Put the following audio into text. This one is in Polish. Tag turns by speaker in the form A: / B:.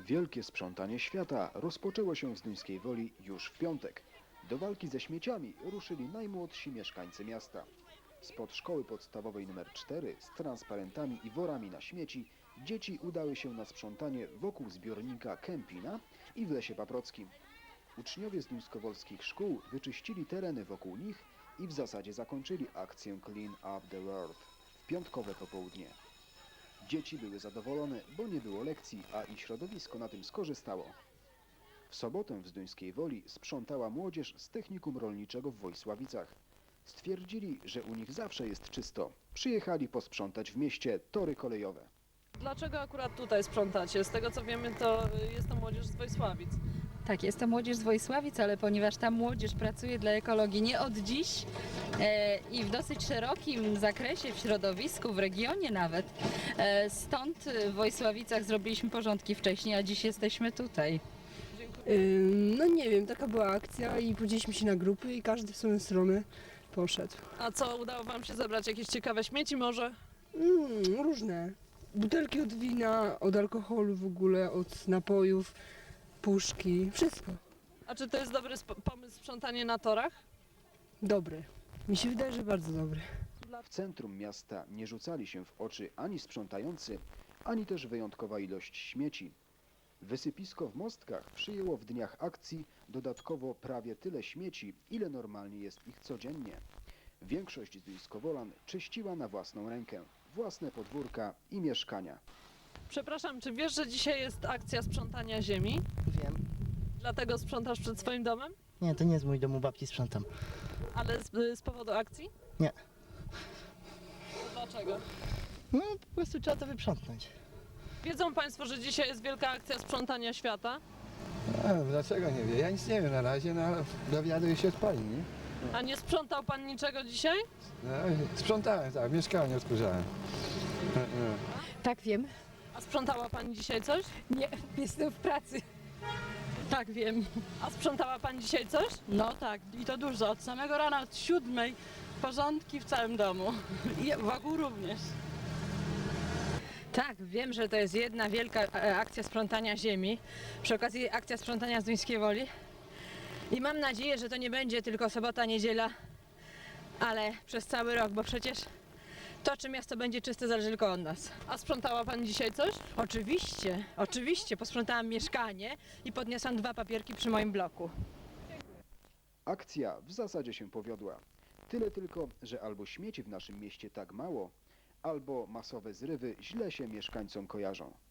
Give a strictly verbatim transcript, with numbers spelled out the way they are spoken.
A: Wielkie sprzątanie świata rozpoczęło się w Zduńskiej Woli już w piątek. Do walki ze śmieciami ruszyli najmłodsi mieszkańcy miasta. Spod szkoły podstawowej numer cztery z transparentami i worami na śmieci dzieci udały się na sprzątanie wokół zbiornika Kępina i w Lesie Paprockim. Uczniowie z duńskowolskich szkół wyczyścili tereny wokół nich i w zasadzie zakończyli akcję Clean Up the World w piątkowe popołudnie. Dzieci były zadowolone, bo nie było lekcji, a i środowisko na tym skorzystało. W sobotę w Zduńskiej Woli sprzątała młodzież z technikum rolniczego w Wojsławicach. Stwierdzili, że u nich zawsze jest czysto. Przyjechali posprzątać w mieście tory kolejowe.
B: Dlaczego akurat tutaj sprzątacie? Z tego co wiemy, to jest to młodzież z Wojsławic.
C: Tak, jest to młodzież z Wojsławic, ale ponieważ ta młodzież pracuje dla ekologii nie od dziś e, i w dosyć szerokim zakresie, w środowisku, w regionie nawet, e, stąd w Wojsławicach zrobiliśmy porządki wcześniej, a dziś jesteśmy tutaj.
D: Ym, No nie wiem, taka była akcja i podzieliliśmy się na grupy i każdy w swoją stronę poszedł.
B: A co, udało wam się zebrać jakieś ciekawe śmieci może?
D: Mm, różne. Butelki od wina, od alkoholu w ogóle, od napojów, puszki, wszystko.
B: A czy to jest dobry sp- pomysł sprzątanie na torach?
D: Dobre. Mi się wydaje, że bardzo dobre.
A: W centrum miasta nie rzucali się w oczy ani sprzątający, ani też wyjątkowa ilość śmieci. Wysypisko w Mostkach przyjęło w dniach akcji dodatkowo prawie tyle śmieci, ile normalnie jest ich codziennie. Większość Zduńskowolan czyściła na własną rękę, własne podwórka i mieszkania.
B: Przepraszam, czy wiesz, że dzisiaj jest akcja sprzątania ziemi?
E: Wiem.
B: Dlatego sprzątasz przed swoim domem?
E: Nie, to nie jest mój dom, u babci sprzątam.
B: Ale z, z powodu akcji?
E: Nie.
B: To dlaczego?
E: No, po prostu trzeba to wyprzątnąć.
B: Wiedzą Państwo, że dzisiaj jest wielka akcja sprzątania świata?
F: A, dlaczego nie wie? Ja nic nie wiem na razie, no ale dowiaduję się od pani, nie?
B: A nie sprzątał Pan niczego dzisiaj?
F: No, sprzątałem, tak, mieszkanie odkurzałem. No, no.
G: Tak, wiem.
B: A sprzątała Pani dzisiaj coś?
G: Nie, jestem w pracy.
C: Tak, wiem.
B: A sprzątała Pani dzisiaj coś?
C: No tak, i to dużo. Od samego rana, od siódmej, porządki w całym domu. I wokół również.
G: Tak, wiem, że to jest jedna wielka e, akcja sprzątania ziemi. Przy okazji akcja sprzątania z Duńskiej Woli. I mam nadzieję, że to nie będzie tylko sobota, niedziela, ale przez cały rok, bo przecież to, czy miasto będzie czyste, zależy tylko od nas.
B: A sprzątała Pani dzisiaj coś?
G: Oczywiście, oczywiście, posprzątałam mieszkanie i podniosłam dwa papierki przy moim bloku.
A: Akcja w zasadzie się powiodła. Tyle tylko, że albo śmieci w naszym mieście tak mało, albo masowe zrywy źle się mieszkańcom kojarzą.